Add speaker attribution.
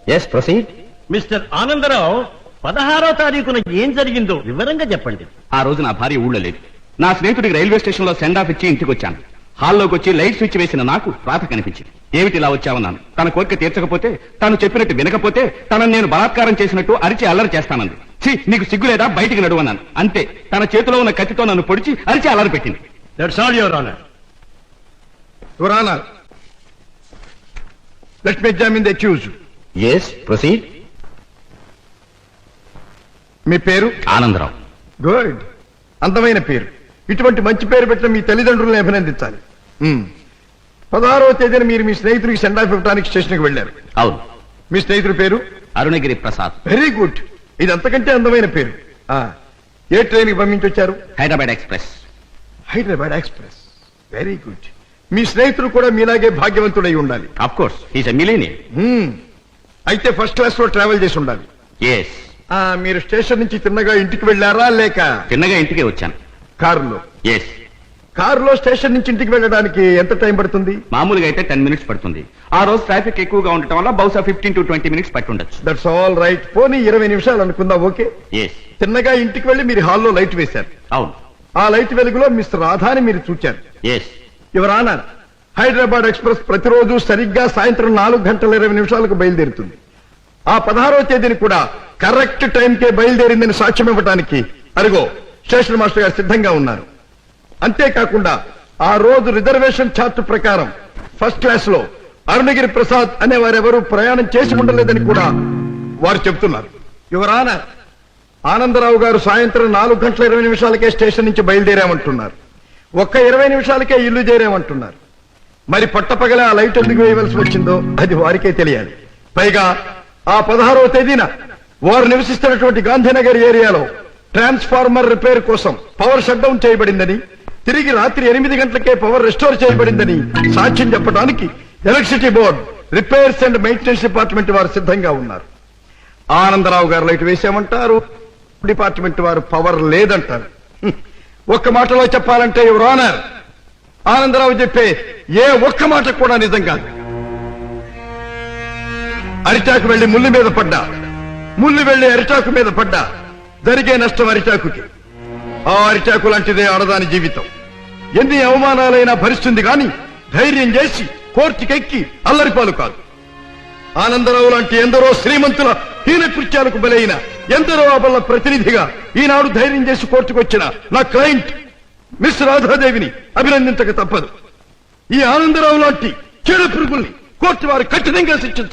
Speaker 1: Yes proceed.
Speaker 2: Mister Anandarao, 16వ తారీఖున ఏం జరిగిందో వివరంగా చెప్పండి.
Speaker 1: ఆ రోజు నా భార్య ఊళ్ళో లేదు. నా స్నేహితుడికి రైల్వే స్టేషన్ లో సెండ్ ఆఫ్ ఇచ్చి ఇంటికి వచ్చాను. హాల్లోకి వచ్చి లైట్ స్విచ్ వేసిన నాకు రాత కనిపించింది. ఏమిటి ఇలా వచ్చావన్నాను. తన కోరిక తీర్చకపోతే, తాను చెప్పినట్టు వినకపోతే తనను నేను బలాత్కారం చేసినట్టు అరిచి అల్లరి చేస్తానంది. నీకు సిగ్గు లేదా, బయటికి నడువన్నాను. అంతే, తన చేతిలో ఉన్న కత్తితో నన్ను పొడిచి అరిచి అల్లరి పెట్టింది.
Speaker 2: That's all your honour.
Speaker 3: Your honour, let me examine the accused.
Speaker 1: Yes proceed.
Speaker 3: మీ పేరు?
Speaker 1: ఆనందరావు.
Speaker 3: గుడ్, అందమైన పేరు. ఇటువంటి మంచి పేరు పెట్టిన మీ తల్లిదండ్రులను అభినందించాలి. 16వ తేదీన మీరు మీ స్నేహితుడికి సెండ్ ఆఫ్ ఇవ్వడానికి స్టేషన్కి వెళ్లారు.
Speaker 1: అవును.
Speaker 3: మీ స్నేహితుడి పేరు?
Speaker 1: అరుణగిరి ప్రసాద్.
Speaker 3: వెరీ గుడ్, ఇది అంతకంటే అందమైన పేరు. ఏ ట్రైన్ కి పంపించొచ్చారు?
Speaker 1: Hyderabad express.
Speaker 3: Hyderabad express, very good. మీ స్నేహితుడు కూడా మీలాగే భాగ్యవంతుడై ఉండాలి.
Speaker 1: Of course, he's a millionaire.
Speaker 3: అయితే ఫస్ట్ క్లాస్ లో ట్రావెల్ చేసి ఉండాలి.
Speaker 1: ఎస్.
Speaker 3: మీరు స్టేషన్ నుంచి తిన్నగా ఇంటికి వెళ్ళారా లేక?
Speaker 1: తిన్నగా ఇంటికే వచ్చాను.
Speaker 3: కారులో?
Speaker 1: ఎస్.
Speaker 3: కారులో స్టేషన్ నుంచి ఇంటికి వెళ్ళడానికి ఎంత టైం పడుతుంది?
Speaker 1: మామూలుగా అయితే 10 minutes పడుతుంది. ఆ రోజు ట్రాఫిక్ ఎక్కువగా ఉండటం వల్ల బహుశా 15 to 20 minutes పట్టుండొచ్చు.
Speaker 3: That's all right. పోనీ 20 నిమిషాలు అనుకుందాం. ఓకే.
Speaker 1: ఎస్.
Speaker 3: తిన్నగా ఇంటికి వెళ్లి మీరు హాల్లో లైట్ వేశారు.
Speaker 1: అవును.
Speaker 3: ఆ లైట్ వెలుగులో మిస్ రాధాని మీరు చూచారు.
Speaker 1: Yes.
Speaker 3: Your honour, Hyderabad express ప్రతిరోజు సరిగ్గా సాయంత్రం 4:20 బయలుదేరుతుంది. ఆ 16వ తేదీని కూడా కరెక్ట్ టైంకే బయలుదేరిందని సాక్ష్యం ఇవ్వడానికి అరుగో స్టేషన్ మాస్టర్ గారు సిద్ధంగా ఉన్నారు. అంతేకాకుండా ఆ రోజు రిజర్వేషన్ చార్ట్ ప్రకారం ఫస్ట్ క్లాస్ లో అరుణగిరి ప్రసాద్ అనే వారెవరూ ప్రయాణం చేసి ఉండలేదని కూడా వారు చెబుతున్నారు. యువర్ ఆనర్, ఆనందరావు గారు సాయంత్రం 4:20 స్టేషన్ నుంచి బయలుదేరామంటున్నారు. ఒక్క 20 నిమిషాలకే ఇల్లు చేరామంటున్నారు. మరి పట్టపగల ఆ లైట్ ఎందుకు వేయవలసి వచ్చిందో అది వారికే తెలియాలి. పైగా ఆ 16వ తేదీన వారు నివసిస్తున్నటువంటి గాంధీనగర్ ఏరియాలో ట్రాన్స్ఫార్మర్ రిపేర్ కోసం పవర్ షట్ డౌన్ చేయబడిందని, తిరిగి రాత్రి 8 గంటలకే పవర్ రెస్టోర్ చేయబడిందని సాక్ష్యం చెప్పడానికి electricity board, repairs and maintenance department వారు సిద్ధంగా ఉన్నారు. ఆనందరావు గారు లైట్ వేసామంటారు, డిపార్ట్మెంట్ వారు పవర్ లేదంటారు. ఒక్క మాటలో చెప్పాలంటే యువర్ ఆనర్, ఆనందరావు చెప్పే ఏ ఒక్క మాట కూడా నిజం కాదు. అరిటాకు వెళ్లి ముళ్ళు మీద పడ్డా, ముళ్ళు వెళ్లి అరిటాకు మీద పడ్డా జరిగే నష్టం అరిటాకుకి. ఆ అరిటాకు లాంటిదే ఆడదాని జీవితం. ఎన్ని అవమానాలైనా భరిస్తుంది గాని ధైర్యం చేసి కోర్టుకెక్కి అల్లరిపాలు కాదు. ఆనందరావు లాంటి ఎందరో శ్రీమంతుల హీన కృత్యాలకు బలైన ఎందరో అబల ప్రతినిధిగా ఈనాడు ధైర్యం చేసి కోర్టుకొచ్చిన నా క్లయింట్ మిస్ రాధాదేవిని అభినందించక తప్పదు. ఈ ఆనందరావు లాంటి చెడు పురుగుల్ని కోర్టు వారు కఠినంగా శిక్షించారు.